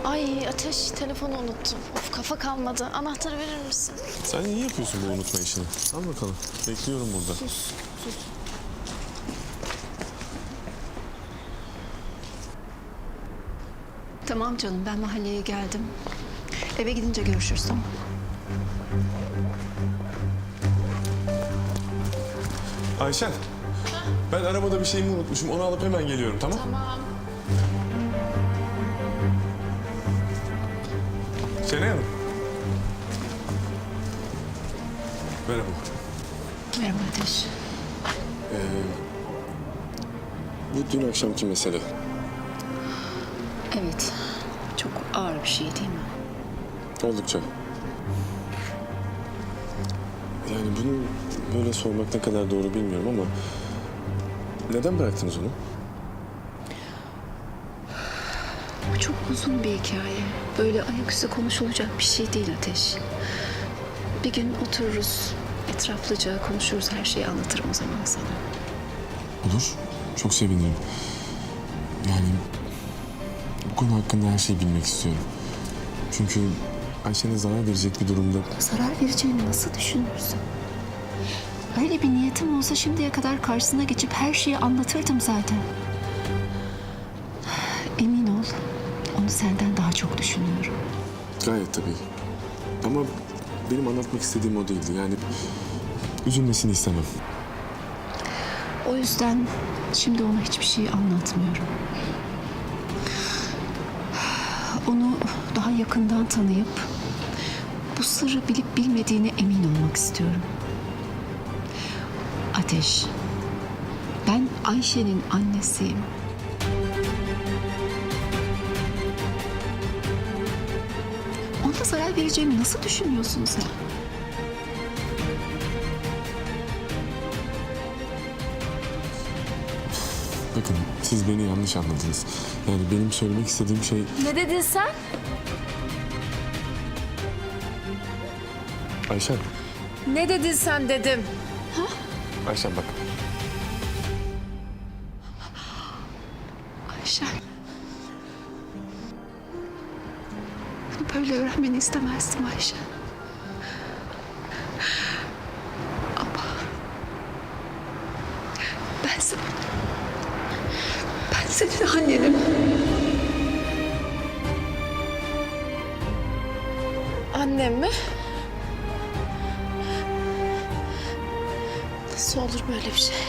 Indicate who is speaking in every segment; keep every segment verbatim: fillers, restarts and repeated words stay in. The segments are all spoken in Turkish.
Speaker 1: Ay Ateş, telefonu unuttum. Of, kafa kalmadı. Anahtarı verir misin?
Speaker 2: Sen iyi yapıyorsun bu unutma işini. Al bakalım. Bekliyorum burada.
Speaker 1: Sus, sus.
Speaker 3: Tamam canım, ben mahalleye geldim. Eve gidince görüşürüz, tamam.
Speaker 2: Ayşen. Ben arabada bir şeyimi unutmuşum. Onu alıp hemen geliyorum, tamam?
Speaker 1: Tamam.
Speaker 2: Şenay Hanım. Merhaba.
Speaker 3: Merhaba Ateş.
Speaker 2: Bu dün akşamki mesele.
Speaker 3: Evet, çok ağır bir şey değil mi?
Speaker 2: Oldukça. Yani bunu böyle sormak ne kadar doğru bilmiyorum ama... Neden bıraktınız onu?
Speaker 3: Bu çok uzun bir hikaye. Böyle ayaküstü konuşulacak bir şey değil Ateş. Bir gün otururuz, etraflıca konuşuruz, her şeyi anlatırım o zaman sana.
Speaker 2: Olur. Çok sevinirim. Yani... Bu konu hakkında her şeyi bilmek istiyorum. Çünkü Ayşe'ne zarar verecek bir durumda...
Speaker 3: Zarar vereceğini nasıl düşünürsün? Öyle bir niyetim olsa şimdiye kadar karşısına geçip her şeyi anlatırdım zaten. Emin ol, onu senden daha çok düşünüyorum.
Speaker 2: Gayet tabii. Ama benim anlatmak istediğim o değildi. Yani üzülmesini istemem.
Speaker 3: O yüzden şimdi ona hiçbir şey anlatmıyorum. Onu daha yakından tanıyıp bu sırrı bilip bilmediğine emin olmak istiyorum. Ateş, ben Ayşe'nin annesiyim. Ona zarar vereceğimi nasıl düşünüyorsun sen?
Speaker 2: Bakın siz beni yanlış anladınız. Yani benim söylemek istediğim şey...
Speaker 1: Ne dedin sen?
Speaker 2: Ayşen.
Speaker 1: Ne dedin sen dedim.
Speaker 2: Ayşen bak.
Speaker 3: Ayşe. Bunu böyle öğrenmeni istemezdim Ayşe. Ama ben sen, ben senin annenim.
Speaker 1: Annem mi? Nasıl olur böyle bir şey?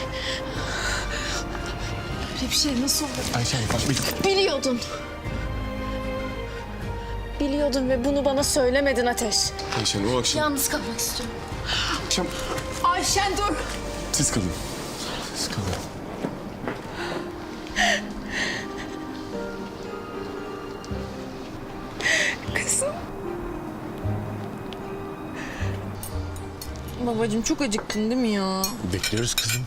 Speaker 1: Böyle bir şey nasıl olur?
Speaker 2: Ayşen bak bir...
Speaker 1: Biliyordun. Biliyordun ve bunu bana söylemedin Ateş.
Speaker 2: Ayşen o akşam...
Speaker 1: Yalnız kalmak istiyorum.
Speaker 2: Akşam...
Speaker 1: Ayşen dur.
Speaker 2: Siz kalın. Siz kalın.
Speaker 3: Kızım.
Speaker 1: Babacığım çok acıktın değil mi ya?
Speaker 2: Bekliyoruz kızım.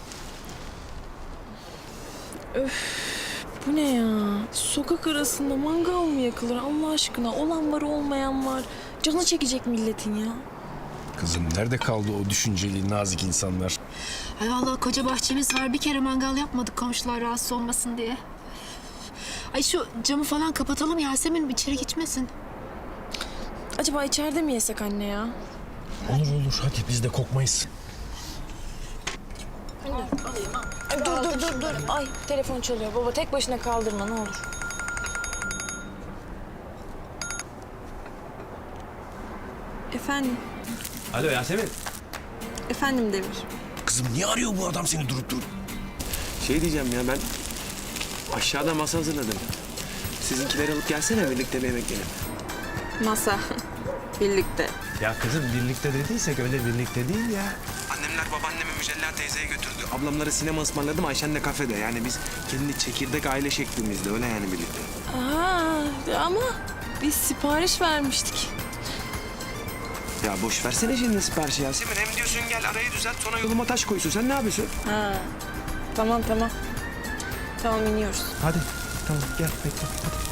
Speaker 4: Bu ne ya? Sokak arasında mangal mı yakılır Allah aşkına? Olan var olmayan var. Canı çekecek milletin ya.
Speaker 5: Kızım nerede kaldı o düşünceli, nazik insanlar?
Speaker 3: Ay vallahi koca bahçemiz var. Bir kere mangal yapmadık komşular rahatsız olmasın diye. Ay şu camı falan kapatalım Yasemin, içeri geçmesin.
Speaker 4: Acaba içeride mi yesek anne ya?
Speaker 5: Olur olur, hadi biz de kokmayız.
Speaker 4: Ay, dur dur dur dur. Ay telefon çalıyor. Baba tek başına kaldırma ne olur. Efendim?
Speaker 5: Alo Yasemin.
Speaker 4: Efendim Demir.
Speaker 5: Kızım niye arıyor bu adam seni durup durup?
Speaker 6: Şey diyeceğim ya ben aşağıda masa hazırladım. Sizinkileri alıp gelsene birlikte bir yemek yiyelim.
Speaker 4: Masa. Birlikte.
Speaker 5: Ya kızım birlikte dediysek öyle birlikte değil ya.
Speaker 6: Annemler babaannemi Mücella teyzeye götürdü. Ablamlara sinema ısmarladım, Ayşen de kafede. Yani biz kendi çekirdek aile şeklimizde öyle yani birlikte.
Speaker 4: Aa, ama biz sipariş vermiştik.
Speaker 6: Ya boş versene şimdi siparişi Yasemin. Hem diyorsun gel arayı düzelt sonra yoluma taş koysun. Sen ne yapıyorsun?
Speaker 4: Ha. Tamam tamam. Tamam iniyoruz.
Speaker 5: Hadi tamam gel bekle hadi.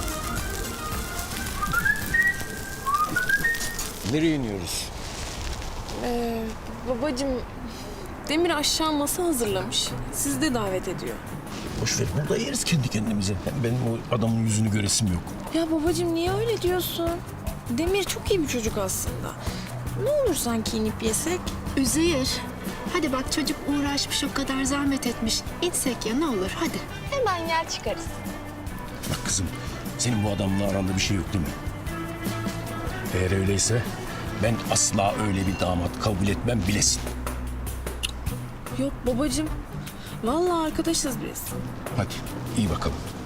Speaker 5: Nereye iniyoruz?
Speaker 4: Ee, babacığım Demir aşağı masa hazırlamış. Sizi de davet ediyor.
Speaker 5: Boş ver, burada yeriz kendi kendimize. Hem benim o adamın yüzünü göresim yok.
Speaker 4: Ya babacığım niye öyle diyorsun? Demir çok iyi bir çocuk aslında. Ne olur sanki inip yesek?
Speaker 3: Üzeyir. Hadi bak çocuk uğraşmış o kadar zahmet etmiş. İnsek ya ne olur hadi.
Speaker 1: Hemen gel çıkarız.
Speaker 5: Bak kızım, senin bu adamla aranda bir şey yok değil mi? Eğer öyleyse ben asla öyle bir damat kabul etmem bilesin.
Speaker 4: Yok babacığım. Vallahi arkadaşız biz.
Speaker 5: Hadi iyi bakalım.